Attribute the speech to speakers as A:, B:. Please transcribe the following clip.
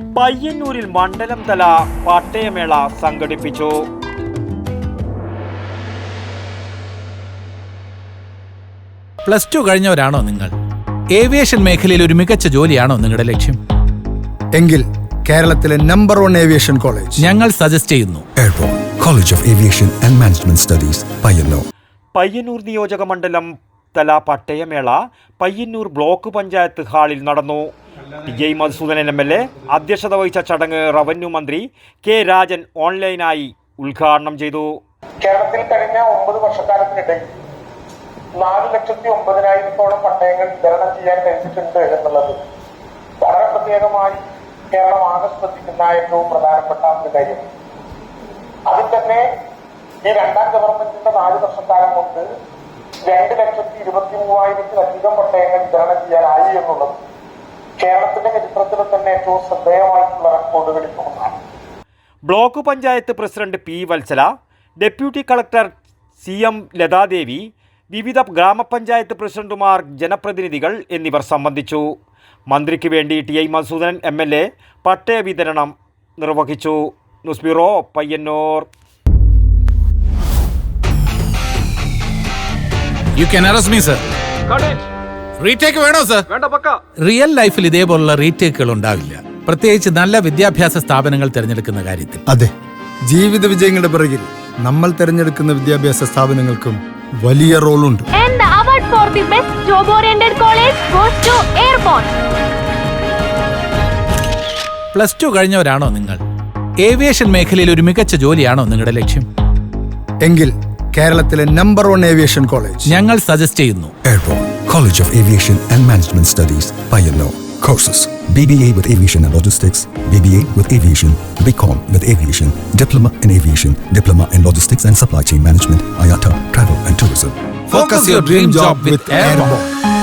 A: പയ്യന്നൂരിൽ മണ്ഡലം തല പട്ടയമേള സംഘടിപ്പിച്ചു.
B: പ്ലസ് ടു കഴിഞ്ഞവരാണോ നിങ്ങൾ? ഏവിയേഷൻ മേഖലയിൽ ഒരു മികച്ച ജോലിയാണോ നിങ്ങളുടെ ലക്ഷ്യം?
C: എങ്കിൽ കേരളത്തിലെ നമ്പർ 1 ഏവിയേഷൻ കോളേജ്
B: ഞങ്ങൾ സജസ്റ്റ് ചെയ്യുന്നു.
D: Airport college of aviation and management studies, Payyanur.
A: Payyanur നിയോജക മണ്ഡലം തല പട്ടയമേള പയ്യന്നൂർ ബ്ലോക്ക് പഞ്ചായത്ത് ഹാളിൽ നടന്നു. ടി. മധുസൂദനൻ MLA അധ്യക്ഷത വഹിച്ച ചടങ്ങ് റവന്യൂ മന്ത്രി കെ. രാജൻ ഓൺലൈനായി ഉദ്ഘാടനം ചെയ്തു.
E: കേരളത്തിൽ കഴിഞ്ഞ 9 വർഷക്കാലത്തിനിടയിൽ 4,09,000 പട്ടയങ്ങൾ വിതരണം ചെയ്യാൻ കഴിഞ്ഞിട്ടുണ്ട് എന്നുള്ളത് വളരെ പ്രത്യേകമായി കേരളം ആകെ ശ്രദ്ധിക്കുന്ന ഏറ്റവും പ്രധാനപ്പെട്ട ഒരു കാര്യം. അതിൽ തന്നെ ഈ രണ്ടാം ഗവൺമെന്റിന്റെ 4 വർഷക്കാലം കൊണ്ട് 2,23,000-ലധികം പട്ടയങ്ങൾ വിതരണം ചെയ്യാനായി എന്നുള്ളത് കേരളത്തിന്റെ ചരിത്രത്തിൽ തന്നെ ഏറ്റവും ശ്രദ്ധേയമായിട്ടുള്ള റെക്കോർഡുകളിൽ ഒന്നാണ്.
A: Block panchayat president P. Vatsala, deputy collector CM Lathadevi, വിവിധ ഗ്രാമപഞ്ചായത്ത് പ്രസിഡന്റുമാർ, ജനപ്രതിനിധികൾ എന്നിവർ സംബന്ധിച്ചു. മന്ത്രിക്ക് വേണ്ടി ടി. മധുസൂദനൻ MLA പട്ടയ വിതരണം നിർവഹിച്ചു. News bureau, Payyanur.
B: You can arrest me, sir. Retake വേണോ സർ? റിയൽ ലൈഫിൽ ഇതേപോലുള്ള റീടേക്കുകൾ ഉണ്ടാവില്ല, പ്രത്യേകിച്ച് നല്ല വിദ്യാഭ്യാസ സ്ഥാപനങ്ങൾ തിരഞ്ഞെടുക്കുന്ന കാര്യത്തിൽ.
C: അതെ, ജീവിത വിജയങ്ങളുടെ പിറകിൽ നമ്മൾ തിരഞ്ഞെടുക്കുന്ന വിദ്യാഭ്യാസ സ്ഥാപനങ്ങൾക്കും വലിയ റോളുണ്ട്.
F: And the award for the best job-oriented college goes to Airborne.
B: Plus two കഴിഞ്ഞവരാണോ നിങ്ങൾ? ഏവിയേഷൻ മേഖലയിൽ ഒരു മികച്ച ജോലിയാണോ നിങ്ങളുടെ ലക്ഷ്യം?
C: എങ്കിൽ കേരളത്തിലെ നമ്പർ 1 ഏവിയേഷൻ കോളേജ്
B: ഞങ്ങൾ സജസ്റ്റ് ചെയ്യുന്നു.
D: Airport college of aviation and management studies, Payyanur. Courses: BBA with Aviation and Logistics, BBA with Aviation, BCom with Aviation, Diploma in Aviation, Diploma in Logistics and Supply Chain Management, IATA, Travel and Tourism.
B: Focus your dream job with Airborne.